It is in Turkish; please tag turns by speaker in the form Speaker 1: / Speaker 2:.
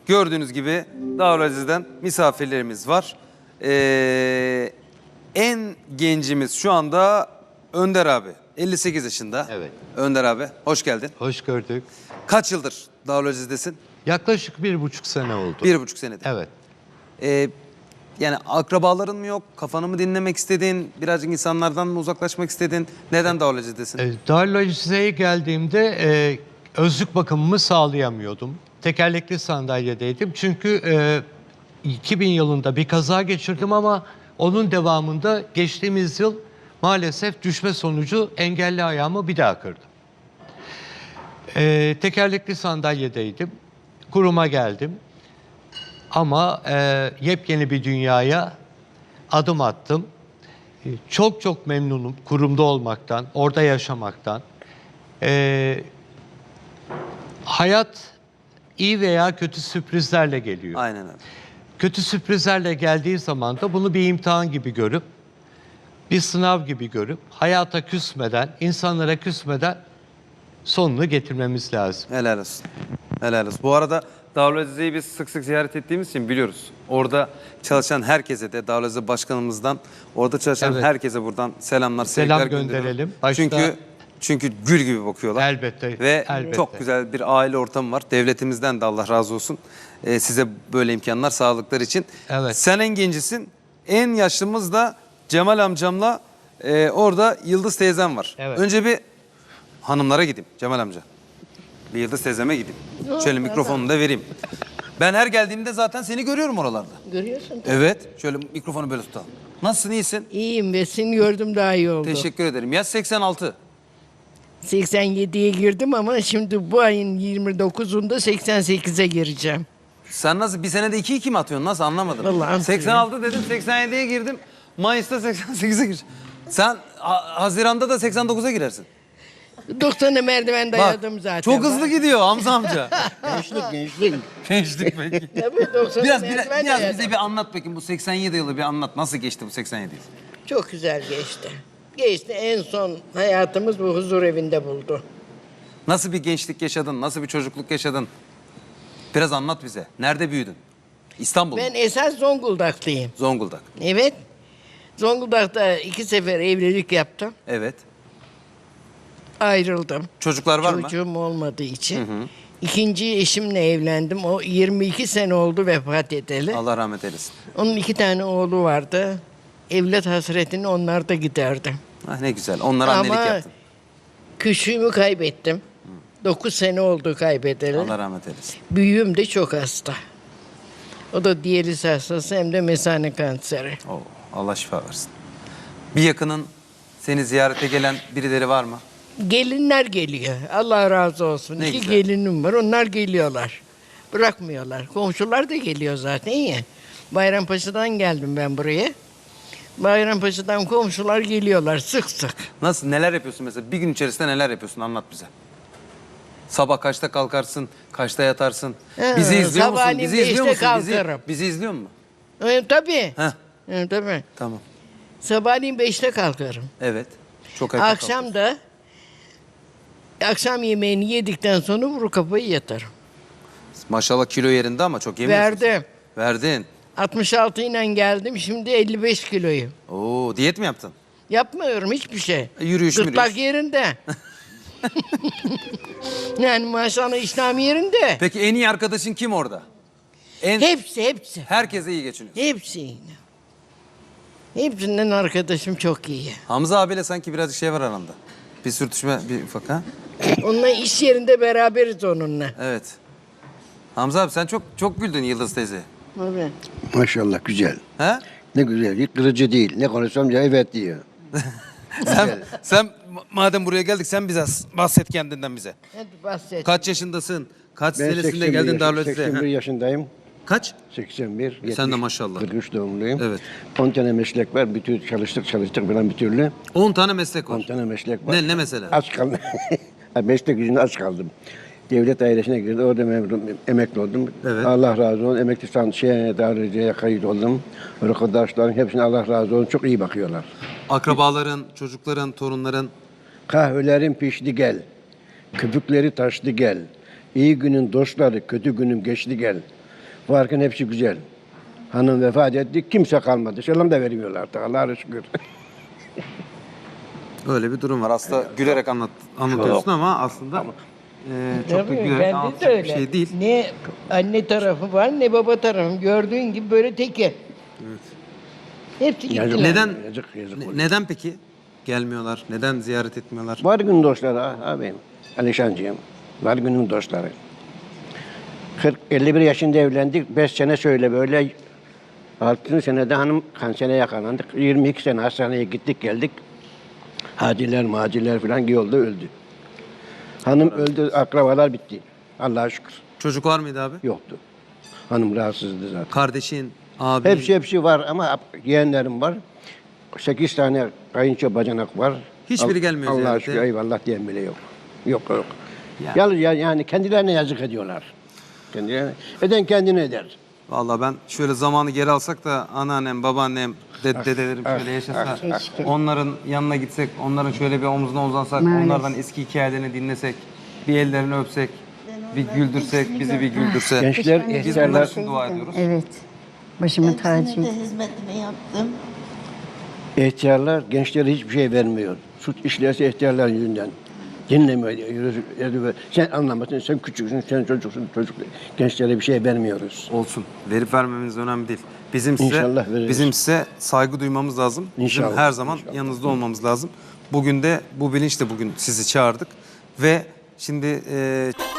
Speaker 1: Gördüğünüz gibi Darülaziz'den misafirlerimiz var. En gencimiz şu anda Önder abi. 58 yaşında.
Speaker 2: Evet.
Speaker 1: Önder abi hoş geldin.
Speaker 2: Hoş gördük.
Speaker 1: Kaç yıldır Darülaziz'desin?
Speaker 2: Yaklaşık 1,5 sene oldu.
Speaker 1: 1,5 senedir.
Speaker 2: Evet.
Speaker 1: Yani akrabaların mı yok? Kafanı mı dinlemek istedin? Birazcık insanlardan mı uzaklaşmak istedin? Neden Darülaziz'desin?
Speaker 2: Darülaziz'e geldiğimde özlük bakımımı sağlayamıyordum. Tekerlekli sandalyedeydim. Çünkü 2000 yılında bir kaza geçirdim ama onun devamında geçtiğimiz yıl maalesef düşme sonucu engelli ayağımı bir daha kırdım. Tekerlekli sandalyedeydim. Kuruma geldim. Ama yepyeni bir dünyaya adım attım. Çok çok memnunum kurumda olmaktan, orada yaşamaktan. Hayat iyi veya kötü sürprizlerle geliyor.
Speaker 1: Aynen öyle.
Speaker 2: Kötü sürprizlerle geldiği zaman da bunu bir imtihan gibi görüp, bir sınav gibi görüp, hayata küsmeden, insanlara küsmeden sonunu getirmemiz lazım.
Speaker 1: Helal olsun. Helal olsun. Bu arada Darülaziz'i biz sık sık ziyaret ettiğimiz için biliyoruz. Orada çalışan herkese de Darülaziz Başkanımızdan orada çalışan
Speaker 2: Evet.
Speaker 1: herkese buradan selamlar,
Speaker 2: Selam
Speaker 1: sevgiler
Speaker 2: gönderelim.
Speaker 1: gönderiyorum.
Speaker 2: Başta-
Speaker 1: Çünkü gül gibi bakıyorlar.
Speaker 2: Elbette.
Speaker 1: Ve
Speaker 2: elbette.
Speaker 1: çok güzel bir aile ortamı var. Devletimizden de Allah razı olsun. Size böyle imkanlar sağladıkları için.
Speaker 2: Evet.
Speaker 1: Sen en gencisin. En yaşlımız da Cemal amcamla orada Yıldız teyzem var.
Speaker 2: Evet.
Speaker 1: Önce bir hanımlara gideyim Cemal amca. Bir Yıldız teyzeme gideyim. Şöyle mikrofonu da vereyim. Ben her geldiğimde zaten seni görüyorum oralarda.
Speaker 3: Görüyorsun.
Speaker 1: Evet. Şöyle mikrofonu böyle tutalım. Nasılsın, iyisin?
Speaker 3: İyiyim ve seni gördüm daha iyi oldu.
Speaker 1: Teşekkür ederim. Yaş 86.
Speaker 3: 87'ye girdim ama şimdi bu ayın 29'unda 88'e gireceğim.
Speaker 1: Sen nasıl bir senede 2-2 mi atıyorsun? Nasıl anlamadım.
Speaker 3: Vallahi
Speaker 1: 86 dedim, 87'ye girdim. Mayıs'ta 88'e gireceğim. Sen Haziran'da da 89'a girersin.
Speaker 3: 90'a merdiven
Speaker 1: Bak,
Speaker 3: dayadım zaten.
Speaker 1: çok hızlı gidiyor Hamza amca.
Speaker 4: Gençlik.
Speaker 1: Gençlik peki.
Speaker 3: Tabii 90'a
Speaker 1: Biraz
Speaker 3: merdiven
Speaker 1: bize
Speaker 3: dayadım.
Speaker 1: bir anlat bakayım bu 87 yılı bir anlat. Nasıl geçti bu 87 yıl?
Speaker 3: Çok güzel geçti. Geçti, en son hayatımız bu huzur evinde buldu.
Speaker 1: Nasıl bir gençlik yaşadın? Nasıl bir çocukluk yaşadın? Biraz anlat bize. Nerede büyüdün? İstanbul mu?
Speaker 3: Ben esas Zonguldaklıyım.
Speaker 1: Zonguldak.
Speaker 3: Evet. Zonguldak'ta 2 sefer evlilik yaptım.
Speaker 1: Evet.
Speaker 3: Ayrıldım.
Speaker 1: Çocuklar var mı?
Speaker 3: Çocuğum olmadığı için. İkinci eşimle evlendim. O 22 sene oldu vefat edeli.
Speaker 1: Allah rahmet eylesin.
Speaker 3: Onun 2 tane oğlu vardı. Evlat hasretini onlar da giderdi.
Speaker 1: Ah ne güzel. Onlara annelik
Speaker 3: Ama
Speaker 1: yaptın.
Speaker 3: küçüğümü kaybettim. 9 sene oldu kaybedeli.
Speaker 1: Allah rahmet eylesin.
Speaker 3: Büyüğüm de çok hasta. O da diyaliz hastası hem de mesane kanseri.
Speaker 1: Oo, Allah şifa versin. Bir yakının seni ziyarete gelen birileri var mı?
Speaker 3: Gelinler geliyor. Allah razı olsun.
Speaker 1: Ne
Speaker 3: 2
Speaker 1: güzel.
Speaker 3: gelinim var. Onlar geliyorlar. Bırakmıyorlar. Komşular da geliyor zaten ya. Bayrampaşa'dan geldim ben buraya. Bayrampaşa'dan komşular geliyorlar sık sık.
Speaker 1: Nasıl, neler yapıyorsun mesela? Bir gün içerisinde neler yapıyorsun? Anlat bize. Sabah kaçta kalkarsın? Kaçta yatarsın? Bizi izliyor musun?
Speaker 3: sabahleyin
Speaker 1: Bizi izliyor
Speaker 3: 5'te
Speaker 1: musun?
Speaker 3: kalkarım.
Speaker 1: Bizi izliyor mu?
Speaker 3: Tabii.
Speaker 1: Heh,
Speaker 3: Tabii.
Speaker 1: tamam.
Speaker 3: Sabahleyin 5'te kalkarım.
Speaker 1: Evet. Çok erken
Speaker 3: Akşam da akşam yemeğini yedikten sonra vuru kafayı yatarım.
Speaker 1: kalkıyorsun. Maşallah kilo yerinde ama çok yemiyorsun.
Speaker 3: Verdim.
Speaker 1: Verdin.
Speaker 3: 66 ile geldim. Şimdi 55 kiloyum.
Speaker 1: Oo, diyet mi yaptın?
Speaker 3: Yapmıyorum hiçbir şey.
Speaker 1: Yürüyüş
Speaker 3: Gırtlak yerinde. Yani maşallah iştahım yerinde.
Speaker 1: Peki en iyi arkadaşın kim orada?
Speaker 3: Hepsi.
Speaker 1: Herkese iyi geçiniyorsun.
Speaker 3: Hepsi. Hepsinden arkadaşım çok iyi.
Speaker 1: Hamza abiyle sanki birazcık şey var aranda. Bir sürtüşme, bir ufak ha?
Speaker 3: Onunla iş yerinde beraberiz onunla.
Speaker 1: Evet. Hamza abi sen çok güldün Yıldız teyze.
Speaker 3: Tabii.
Speaker 4: Maşallah güzel.
Speaker 1: He?
Speaker 4: Ne güzel. Hiç kırıcı değil. Ne konuşsam ya evet diyor.
Speaker 1: Sen madem buraya geldik sen bize bahset kendinden bize.
Speaker 3: Hadi bahset.
Speaker 1: Kaç yaşındasın? Kaç
Speaker 4: Ben
Speaker 1: senesinde
Speaker 4: 81
Speaker 1: geldin Darülaziz'e?
Speaker 4: 81 yaşındayım.
Speaker 1: Kaç?
Speaker 4: 81.
Speaker 1: Sen de maşallah.
Speaker 4: 43 doğumluyum.
Speaker 1: Evet.
Speaker 4: 10 tane meslek var. Bütün çalıştık falan bir türlü.
Speaker 1: 10 tane meslek
Speaker 4: 10
Speaker 1: var.
Speaker 4: tane meslek var.
Speaker 1: Ne mesela?
Speaker 4: Aç kaldım. Meslek yüzünden aç kaldım. Devlet dairesine girdim. Orada emekli oldum.
Speaker 1: Evet.
Speaker 4: Allah razı olsun. Emekli daireciye kayıt oldum. Arkadaşlarım hepsine Allah razı olsun. Çok iyi bakıyorlar.
Speaker 1: Akrabaların, çocukların, torunların.
Speaker 4: Kahvelerin pişti gel. Köpükleri taştı gel. İyi günün dostları, kötü günüm geçti gel. Varken hepsi güzel. Hanım vefat etti, kimse kalmadı. Selam da vermiyorlar artık, Allah'a şükür.
Speaker 1: Öyle bir durum var. Aslında gülerek anlatıyorsun ama aslında çok da
Speaker 3: Tabii,
Speaker 1: gülerek
Speaker 3: bende de
Speaker 1: anlatacak
Speaker 3: öyle.
Speaker 1: bir şey değil.
Speaker 3: Ne anne tarafı var ne baba tarafı. Gördüğün gibi böyle teke. Hepsi
Speaker 4: Yazık.
Speaker 3: gittiler.
Speaker 1: Neden
Speaker 4: Yazık oluyor.
Speaker 1: neden peki gelmiyorlar? Neden ziyaret etmiyorlar?
Speaker 4: Var günün dostları abim, Alişancığım. Var günün dostları. 51 yaşında evlendik, 5 sene şöyle böyle. 6. senede hanım kansere yakalandık. 22 sene hastaneye gittik geldik. Haciler maciler falan yolda öldü. Hanım öldü, akrabalar bitti. Allah'a şükür.
Speaker 1: Çocuk var mıydı abi?
Speaker 4: Yoktu. Hanım rahatsızdı zaten.
Speaker 1: Kardeşin, abi.
Speaker 4: Hepsi var ama yeğenlerim var. 8 tane kayınço bacanak var.
Speaker 1: Hiçbiri gelmiyor
Speaker 4: Allah'a
Speaker 1: ziyarete.
Speaker 4: şükür eyvallah diyen bile yok. Yok.
Speaker 1: Yani.
Speaker 4: Yani kendilerine yazık ediyorlar. Kendilerine. Eden kendine eder.
Speaker 1: Vallahi ben şöyle zamanı geri alsak da anneannem, babaannem, dedelerim şöyle yaşasa, onların yanına gitsek, onların şöyle bir omzuna uzansak, onlardan eski hikayelerini dinlesek, bir ellerini öpsek, bir güldürsek, bizi bir güldürse.
Speaker 4: Gençler,
Speaker 1: Biz bunlar
Speaker 4: ihtiyarlar,
Speaker 1: için dua ediyoruz.
Speaker 5: Evet. Başımın tacı.
Speaker 6: Hepsinin de hizmetini yaptım.
Speaker 4: ihtiyarlar gençlere hiçbir şey vermiyor. Suç işlerse ihtiyarlar yüzünden. Dinlemiyor. Sen anlamasın, sen küçüksün, sen çocuksun, çocuk. Gençlere bir şey vermiyoruz.
Speaker 1: Olsun. Verip vermemeniz önemli değil. Bizim
Speaker 4: İnşallah veririz.
Speaker 1: bizim size saygı duymamız lazım. Bizim
Speaker 4: İnşallah,
Speaker 1: her zaman
Speaker 4: inşallah.
Speaker 1: yanınızda olmamız lazım. Bugün de bu bilinçle bugün sizi çağırdık ve şimdi